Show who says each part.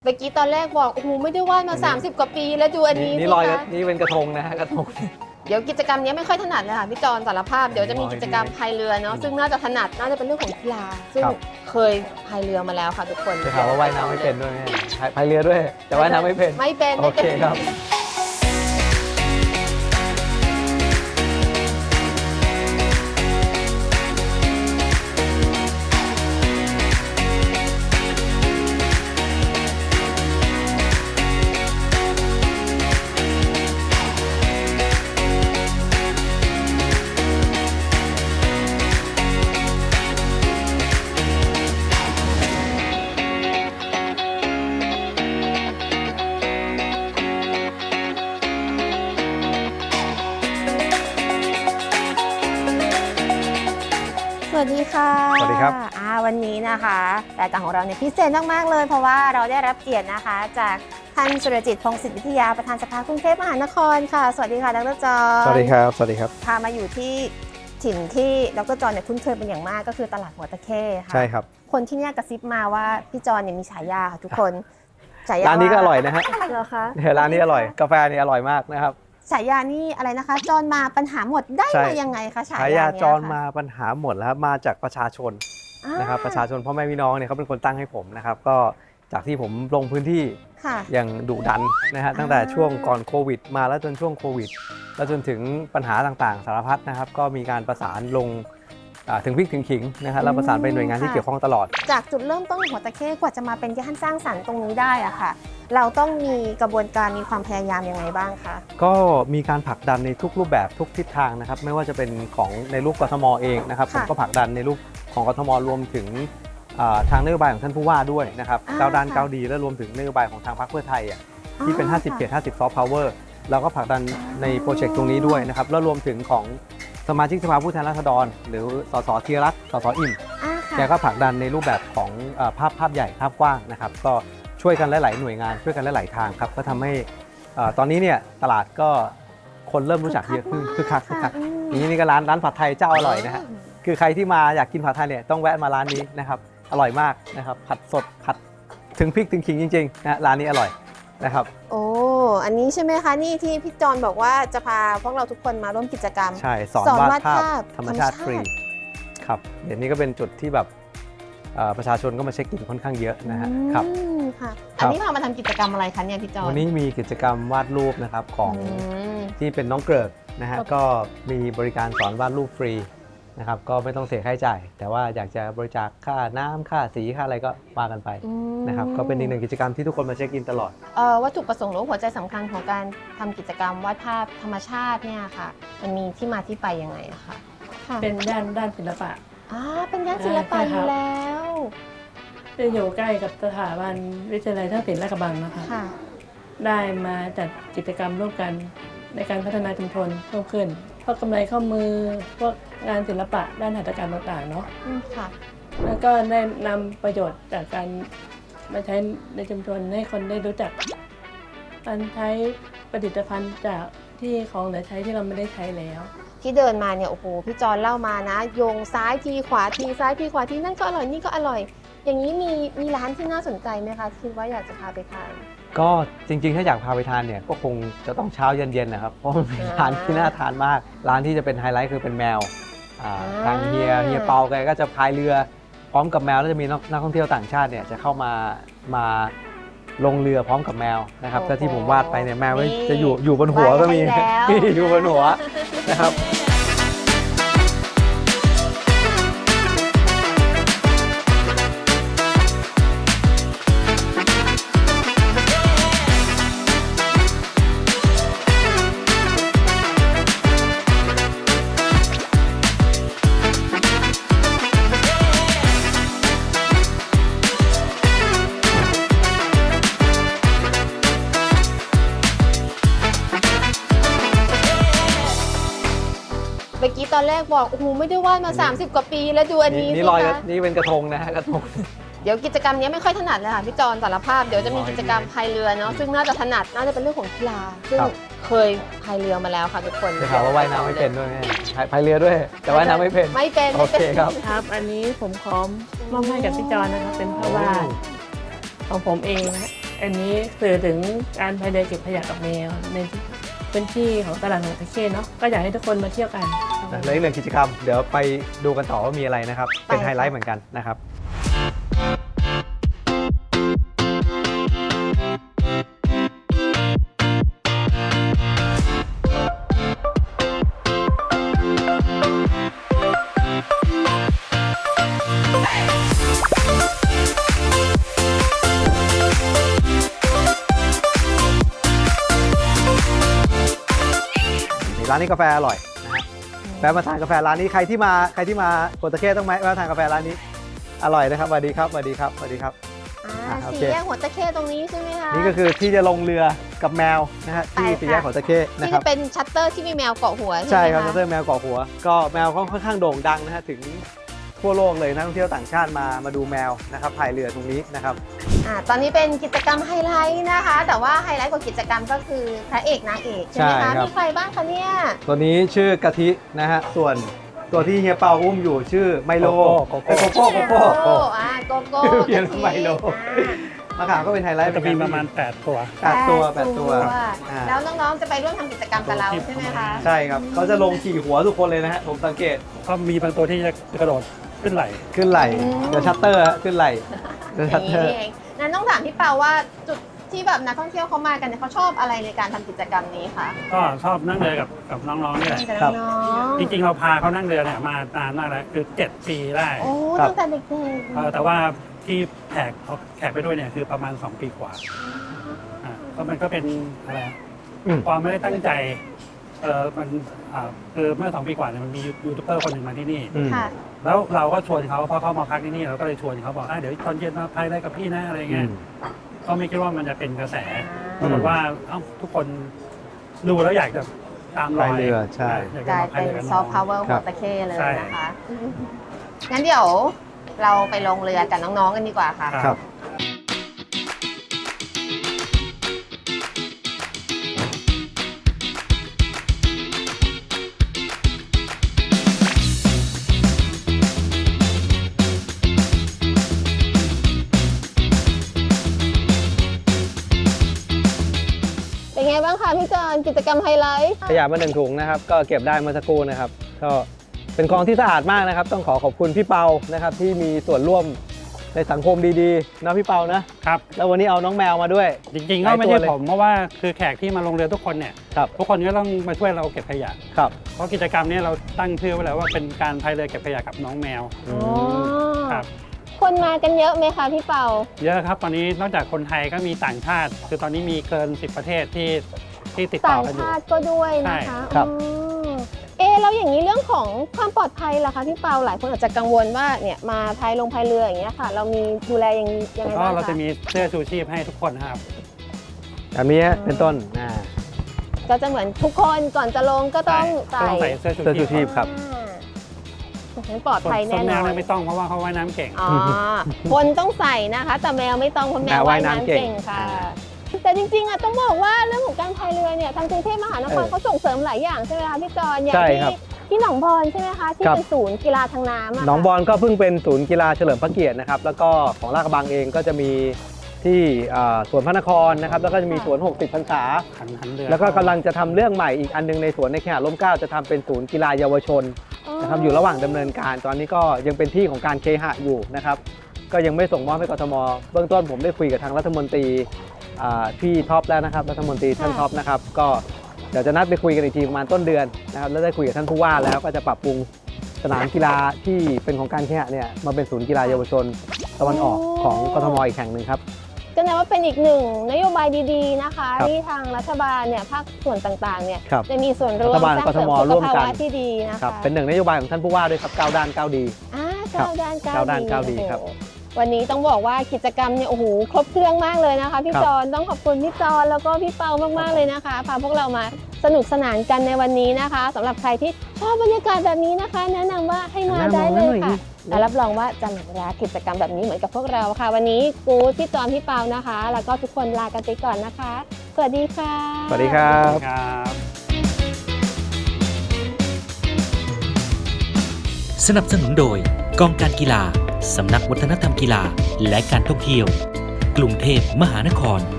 Speaker 1: เมื่อกี้ตอนแรกบอกโอ้โหไม่ได้วาดมา30กว่าปีแล้วดูอันนี้
Speaker 2: นี่
Speaker 1: สิ
Speaker 2: ลอย
Speaker 1: คะ
Speaker 2: นี่เป็นกระทงนะฮะกระทง
Speaker 1: เดี๋ยวกิจกรรมนี้ไม่ค่อยถนัดเลยค่ะพี่จอนสารภาพเดี๋ยวจะมีกิจกรรมพายเรือเนาะซึ่งน่าจะถนัดน่าจะเป็นเรื่องของกีฬาซึ่งเคยพายเรือมาแล้วค่ะทุกคน
Speaker 2: จะถามว่าว่ายน้ำไม่เป็นด้วยไหมพายเรือด้วยแต่ว่ายน้ำไม่เป็น
Speaker 1: ไม่เป็น
Speaker 2: โอเคครับ
Speaker 1: สวัสดีค่ะ
Speaker 2: สวัสดีครับ
Speaker 1: วันนี้นะคะรายการของเราเนี่ยพิเศษมากๆเลยเพราะว่าเราได้รับเกียรตินะคะจากท่านสุรจิต พงศิษฐ์วิทยาประธานสภากรุงเทพมหานครค่ะสวัสดีค่ะดรจอห์น
Speaker 2: สวัสดีครับสวัสดีครับ
Speaker 1: พามาอยู่ที่ถิ่นที่ดรจอห์นเนี่ยคุ้นเคยเป็นอย่างมากก็คือตลาดหัวตะเข้ค่ะ
Speaker 2: ใช่ครับ
Speaker 1: คนที่เนี่ยกระซิบมาว่าพี่จอห์นเนี่ยมีฉายาค่ะทุกคนฉายา
Speaker 2: ร้านนี้ก็อร่อยนะฮะ
Speaker 1: เหรอคะ
Speaker 2: เนี่ยร้านนี้อร่อยกาแฟนี่อร่อยมากนะครับ
Speaker 1: ฉายานี่อะไรนะคะจอห์นมาปัญหาหมดได้
Speaker 2: ใช่
Speaker 1: มายังไงคะฉา
Speaker 2: ฉาย
Speaker 1: า
Speaker 2: า
Speaker 1: เนี่ย
Speaker 2: จร
Speaker 1: ค่ะ
Speaker 2: มาปัญหาหมดแล้วครับมาจากประชาชนนะครับประชาชนพ่อแม่พี่น้องเนี่ยเขาเป็นคนตั้งให้ผมนะครับก็จากที่ผมลงพื้นที่
Speaker 1: ค่ะ
Speaker 2: อย่างดุดันนะฮะตั้งแต่ช่วงก่อนโควิดมาแล้วจนช่วงโควิดแล้วจนถึงปัญหาต่างๆ สารพัดนะครับก็มีการประสานลงถึงพริกถึงขิงนะฮะแล้วประสานไปหน่วยงานที่เกี่ยวข้องตลอด
Speaker 1: จากจุดเริ่มต้นของหัวตะเข้กว่าจะมาเป็นย่านสร้างสรรค์ตรงนี้ได้อะค่ะ เราต้องมีกระบวนการมีความพยายามยังไงบ้างคะ
Speaker 2: ก็มีการผลักดันในทุกรูปแบบทุกทิศทางนะครับไม่ว่าจะเป็นของในรูปกทมเองนะครับผมก็ผลักดันในรูปของกทมรวมถึงทางนโยบายของท่านผู้ว่าด้วยนะครับก้าวด้านก้าวดีและรวมถึงนโยบายของทางพรรคเพื่อไทยที่เป็น 50 เขต 50 ซอฟต์พาวเวอร์เราก็ผลักดันในโปรเจกต์ตรงนี้ด้วยนะครับแล้วรวมถึงของสมาชิกสภาผู้แทนราษฎรหรือสสธีรรัตน์สสอิ่มแกก็ผลักดันในรูปแบบของภาพใหญ่ภาพกว้างนะครับก็ช่วยกันหลายๆหน่วยงานช่วยกันหลายๆทางครับก็ทำให้ตอนนี้เนี่ยตลาดก็คนเริ่มรู้จักเยอะขึ้นคึกคักนี่ก็ร้านผัดไทยเจ้าอร่อยนะฮะคือใครที่มาอยากกินผัดไทยเนี่ยต้องแวะมาร้านนี้นะครับอร่อยมากนะครับผัดสดผัดถึงพริกถึงขิงจริงๆนะร้านนี้อร่อยนะครับ
Speaker 1: โอ้อันนี้ใช่ไหมคะนี่ที่พี่จอนบอกว่าจะพาพวกเราทุกคนมาร่วมกิจกรรม
Speaker 2: ใช่สอนวาดภาพธรรมชาติฟรีครับเดี๋ยวนี้ก็เป็นจุดที่แบบประชาชนก็มาเช็คอินค่อนข้างเยอะนะฮะครับ
Speaker 1: ค่ะอันนี้พามาทำกิจกรรมอะไรคะเนี่ยพี่จอน
Speaker 2: วันนี้มีกิจกรรมวาดรูปนะครับของที่เป็นน้องเกริกนะฮะก็มีบริการสอนวาดรูปฟรีนะครับก็ไม่ต้องเสียค่าใช้จ่ายแต่ว่าอยากจะบริจาคค่าน้ำค่าสีค่าอะไรก็ว่ากันไปนะครับก็เป็นอีกหนึ่งกิจกรรมที่ทุกคนมาเช็คอินตลอด
Speaker 1: วัตถุประสงค์หรือหัวใจสำคัญของการทำกิจกรรมวาดภาพธรรมชาติเนี่ยค่ะมันมีที่มาที่ไปยังไงอะคะ
Speaker 3: เป็นด้านศิลปะ
Speaker 1: เป็นย่านศิลปะอยู่แล้ว
Speaker 3: จะอยู่ใกล้กับสถาบันวิทยาลัยท่าศิลป์ลาดกระบังนะคะได้มาจัดกิจกรรมร่วมกันในการพัฒนาชุมชนเพิ่มขึ้นพวกกำไรข้อมือพวกงานศิลปะด้านหัตถกรรมต่างๆเนาะแล้วก็ได้นำประโยชน์จากการมาใช้ในชุมชนให้คนได้รู้จักการใช้ผลิตภัณฑ์จากที่ของเหลือใช้ที่เราไม่ได้ใช้แล้ว
Speaker 1: ที่เดินมาเนี่ยโอ้โหพี่จอนเล่ามานะโยงซ้ายทีขวาทีซ้ายทีขวาทีนั่นก็อร่อยนี่ก็อร่อยอย่างนี้มีร้านที่น่าสนใจไหมคะคิดว่าอยากจะพาไปทาน
Speaker 2: ก็จริงๆถ้าอยากพาไปทานเนี่ยก็คงจะต้องเช้าเย็นๆนะครับเพราะมันเป็นร้านที่น่าทานมากร้านที่จะเป็นไฮไลท์คือเป็นแมวทางเฮียเปาแกก็จะพายเรือพร้อมกับแมวแล้วจะมีนักท่องเที่ยวต่างชาติเนี่ยจะเข้ามาลงเรือพร้อมกับแมวนะครับก็ที่ผมวาดไปเนี่ยแมวจะอยู่บนหัวก็มีอยู่บนหัวนะครับ
Speaker 1: เมื่อกี้ตอนแรกบอกโอ้โหไม่ได้วาดมา30กว่าปีแล้วดูอันนี้
Speaker 2: นี่
Speaker 1: สิ
Speaker 2: ลอย
Speaker 1: คะ
Speaker 2: นี่เป็นกระทงนะฮะกระทง
Speaker 1: เดี๋ยวกิจกรรมนี้ไม่ค่อยถนัดเลยค่ะพี่จอนสารภาพเดี๋ยวจะมีกิจกรรมพายเรือเนาะซึ่งน่าจะถนัดน่าจะเป็นเรื่องของกีฬาซึ่งเคยพายเรือมาแล้วค่ะทุกคน
Speaker 2: จะถามว่าว่ายน้ำไม่เป็นด้วยไหมพายเรือด้วยแต่ว่ายน้ำไม่เป็นโอเคครับ
Speaker 3: อันนี้ผมขอมอบให้กับพี่จอนนะครับเป็นภาพวาดของผมเองนะอันนี้สื่อถึงการพายเรือเก็บขยะกับแมวในพื้นที่ของตลาดหัวตะเข้เนาะก็อยากให้ทุกคนมาเที่ยวกัน
Speaker 2: และอีกหนึ่งกิจกรรมเดี๋ยวไปดูกันต่อว่ามีอะไรนะครับ เป็นไฮไลท์เหมือนกันนะครับร้านนี้กาแฟอร่อยนะฮะแวะมาทานกาแฟร้านนี้ใครที่มาโกตะเข้ต้องแวะทานกาแฟร้านนี้อร่อยนะครับสวัสดีครับสวัสดีครับสวัสดีครับ โอ
Speaker 1: สี่
Speaker 2: เค
Speaker 1: แยกหัวตะเข้ตรงนี้ใช่ไหมคะ
Speaker 2: นี่ก็คือที่จะลงเรือกับแมวนะฮะที่
Speaker 1: ไปค่ะ
Speaker 2: สี่แยกของตะเข้นะ
Speaker 1: ที่
Speaker 2: ครั
Speaker 1: จะ
Speaker 2: บ
Speaker 1: เป็นชัตเตอร์ที่มีแมวเกาะหัว
Speaker 2: ใช่
Speaker 1: ใช่ไหม
Speaker 2: ครับ
Speaker 1: คะ
Speaker 2: ชัตเตอร์แมวเกาะหัว ก็แมวค่อนข้างโด่งดังนะฮะถึงทั่วโลกเลยนักท่องเที่ยวต่างชาติมาดูแมวนะครับพายเรือตรงนี้นะครับ
Speaker 1: ตอนนี้เป็นกิจกรรมไฮไลท์นะคะ แต่ว่าไฮไลท์ของกิจกรรมก็คือพระเอกนางเอกใช่ไหม
Speaker 2: ใช่
Speaker 1: คะ
Speaker 2: ครับ
Speaker 1: มีใครบ้างคะเนี่ย
Speaker 2: ตัวนี้ชื่อกะทินะฮะส่วนตัวที่เฮียเปาอุ้มอยู่ชื่อไมโล
Speaker 4: โกโก้
Speaker 2: โกโก้โกโก้
Speaker 1: โก้โกโก้
Speaker 2: เพี้ยน
Speaker 1: กะทิ
Speaker 2: ไมโล มะขามก็เป็นไฮไลท์
Speaker 4: จะมีประมาณ8ตัว
Speaker 2: 8 ตัว8 ตัวอ่า
Speaker 1: แล้วน้องๆจะไปร่วมทำกิจกรรมกับเราใช่ไหมคะ
Speaker 2: ใช่ครับเขาจะลงขี่หัวทุกคนเลยนะฮะผมสังเกต
Speaker 4: ก็มีบางตัวที่จะกระโดดขึ้นไหล
Speaker 2: ขึ้นไหลเดี๋ยวชัตเตอร์ฮะขึ้นไหลเดี๋ยว
Speaker 1: อ
Speaker 2: ชั
Speaker 1: ย่า
Speaker 2: ต
Speaker 1: ง
Speaker 2: เต
Speaker 1: นี้
Speaker 2: อร์
Speaker 1: นี่เองงั้นต้องถามพี่เปาว่าจุดที่แบบนักท่องเที่ยวเขามากันเนี่ยเขาชอบอะไรในการทำกิจกรรมนี้คะ
Speaker 4: ก็ชอบนั่งเรือกับน้องๆนี่แหละ
Speaker 1: กับน้อง
Speaker 4: จริงๆเราพาเขานั่งเรือเนี่ยมานานมากแล้วคือ7 ปีได้
Speaker 1: ๆโอ้ตั้งแต่เด็ก
Speaker 4: แต่ว่าที่แขกไปด้วยเนี่ยคือประมาณ2 ปีกว่าก็มันก็เป็นอะไรความไม่ได้ตั้งใจมันคือเมื่อ2 ปีกว่าเนี่ยมันมียูทูบเบอร์คนหนึ่งมาที่นี่
Speaker 1: ๆค่ะ
Speaker 4: แล้วเราก็ชวนเขาเพราะเขามาพักที่นี่เราก็เลยชวนเขาบอกเดี๋ยวตอนเย็นมาพายได้กับพี่นะอะไรเงี้ยก็ไม่คิดว่ามันจะเป็นกระแสปรากฏว่าทุกคนดูแล้วอยากจะตามรอย
Speaker 2: พายเรือใช่
Speaker 4: อยาก
Speaker 1: ก
Speaker 4: จะ
Speaker 1: ลาย
Speaker 4: มาพาย
Speaker 1: เป็น
Speaker 4: เรือกับ
Speaker 1: ซ
Speaker 4: น้
Speaker 1: อ
Speaker 4: อ
Speaker 1: ฟ
Speaker 4: ง
Speaker 1: ต์พาวเวอร์หัวตะเข้เลย
Speaker 4: ใช่
Speaker 1: นะคะ งั้นเดี๋ยวเราไปลงเรือกับน้องๆกันดีกว่าค่ะ
Speaker 2: ครับ
Speaker 1: เป็นไงบ้างคะพี่จอนกิจกรรมไฮไลท์
Speaker 2: ขยะมา1 ถุงนะครับก็เก็บได้เมื่อสักครู่นะครับก็เป็นกองที่สะอาดมากนะครับ ต้องขอบคุณพี่เปานะครับที่มีส่วนร่วมในสังคมดีๆนะพี่เปานะครับ แล้ววันนี้เอาน้องแมวมาด้วย
Speaker 4: จริงๆก็ไม่
Speaker 2: หลายตัว
Speaker 4: ใช่
Speaker 2: เลย
Speaker 4: ผมเพราะว่าคือแขกที่มาลงเรือทุกคนเนี่ย
Speaker 2: ครับ
Speaker 4: ทุกคนก็ต้องมาช่วยเราเก็บขยะ
Speaker 2: ครับ
Speaker 4: เพราะกิจกรรมเนี้เราตั้งชื่อไว้แล้วว่าเป็นการพายเรือเก็บขยะกับน้องแมว
Speaker 2: อื
Speaker 1: อ๋อ
Speaker 2: ม
Speaker 4: ครับ
Speaker 1: คนมากันเยอะไหมคะพี่เปา
Speaker 4: เยอะครับตอนนี้นอกจากคนไทยก็มีต่างชาติ คือตอนนี้มีเกิน10 ประเทศที่ติดต่
Speaker 1: ต่า
Speaker 4: อง กันอยู่
Speaker 1: ชาติก็ด้วยนะคะ
Speaker 2: ใช่ครับ
Speaker 1: แล้วอย่างนี้เรื่องของความปลอดภัยล่ะคะพี่เปาหลายคนอาจจะกังวลว่าเนี่ยมาพายเรืออย่างเงี้ยค่ะ เรามีดูแลยังไง
Speaker 4: ก็
Speaker 1: บ้าง
Speaker 4: เราจะ
Speaker 1: คะ
Speaker 4: มีเสื้อชูชีพให้ทุกคนนะครับ
Speaker 2: แบบนี้เป็นต้น
Speaker 1: ก็จะเหมือนทุกคนก่อนจะลงก็ต้อง
Speaker 4: ก็ต้องใส่เสื้อชู
Speaker 2: เสื้อชูชี
Speaker 4: ชี
Speaker 2: พ
Speaker 4: พ
Speaker 2: ครับ
Speaker 1: งั้นปลอดภัย
Speaker 4: ส่
Speaker 1: แน่
Speaker 4: วน
Speaker 1: น
Speaker 4: แม
Speaker 1: อ
Speaker 4: วน ไม่ต้องเพราะว่าเขาว่ายน้ำเก่ง
Speaker 1: อ๋อคนต้องใส่นะคะ แต่แมวไม่ต้องเพราะแมว
Speaker 2: แมว
Speaker 1: ว่า
Speaker 2: ว่าย ย
Speaker 1: น้ำ
Speaker 2: น้ำเก่
Speaker 1: เก่ง
Speaker 2: ง
Speaker 1: ค่ะ แต่จริงๆต้องบอกว่าเรื่องของการพายเรือเนี่ยทางกรุงเทพมหานครเขาส่งเสริมหลายอย่างใช่ไหมคะพี่จอนอย่าง
Speaker 2: ใช่
Speaker 1: ที่
Speaker 2: ครับ
Speaker 1: ที่หนองบอนใช่ไหมคะที่
Speaker 2: ครับ
Speaker 1: เป็นศูนย์กีฬาทางน้ำะ
Speaker 2: หนองบอนก็เพิ่งเป็นศูนย์กีฬาเฉลิมพระเกียรตินะครับแล้วก็ของลาดกระบังเองก็จะมีที่สวนพระนครนะครับแล้วก็จะมีสวน 60 พรรษา
Speaker 4: หันเรือ
Speaker 2: แล้วก็กำลังจะทำเรื่องใหม่อีกอันนึงในสวนในเขตร่มเกล้าจะทำเป็นศูนย์กีฬาเยาวชนนะครับอยู่ระหว่างดำเนินการตอนนี้ก็ยังเป็นที่ของการเคหะอยู่นะครับก็ยังไม่ส่งมอบให้กทมเบื้องต้นผมได้คุยกับทางรัฐมนตรีพี่ท็อปแล้วนะครับรัฐมนตรีท่านท็อปนะครับก็เดี๋ยวจะนัดไปคุยกันอีกทีประมาณต้นเดือนนะครับแล้วได้คุยกับท่านผู้ว่าแล้วก็จะปรับปรุงสนามกีฬาที่เป็นของการเคหะเนี่ยมาเป็นศูนย์กีฬาเยาวชนตะวันออกของกทมอีกแห่งหนึ่งครับ
Speaker 1: ก็นับว่าเป็นอีกหนึ่งนโยบายดีๆนะคะ
Speaker 2: ครับ
Speaker 1: ที่ทางรัฐบาลเนี่ยภาคส่วนต่างๆเนี่ย
Speaker 2: ครับ
Speaker 1: จะมีส่วนร่วม
Speaker 2: รัฐบาล
Speaker 1: สร้างเสริม
Speaker 2: กทม
Speaker 1: สุ
Speaker 2: ร่
Speaker 1: ข
Speaker 2: วม
Speaker 1: ภา
Speaker 2: กัน
Speaker 1: วะที่ดีนะ
Speaker 2: ครั
Speaker 1: คะ
Speaker 2: บเป็นหนึ่งนโยบายของท่านผู้ว่าด้วยครับ9 ด้าน 9 ดี
Speaker 1: ก้าวด้านก้าว
Speaker 2: ก้าวด้านก้าวดี
Speaker 1: โอ้โห
Speaker 2: ครับ
Speaker 1: วันนี้ต้องบอกว่ากิจกรรมเนี่ยโอ้โหครบเครื่องมากเลยนะคะพี่
Speaker 2: ครับ
Speaker 1: จอนต้องขอบคุณพี่จอนแล้วก็พี่เปามากๆเลยนะคะพาพวกเรามาสนุกสนานกันในวันนี้นะคะสำหรับใครที่ชอบบรรยากาศแบบนี้นะคะ แนะนำว่าให้มาได้เลยค่ะและรับรองว่าจะหลงรักกิจกรรมแบบนี้เหมือนกับพวกเราค่ะ วันนี้กู๊ดพี่จอนพี่เปานะคะ แล้วก็ทุกคนลากันไปก่อนนะคะ สวัสดีค่ะ
Speaker 2: สวัสดีครับ
Speaker 4: ครับ
Speaker 5: สนับสนุนโดยกองการกีฬา สำนักวัฒนธรรมกีฬาและการท่องเที่ยวกรุงเทพมหานคร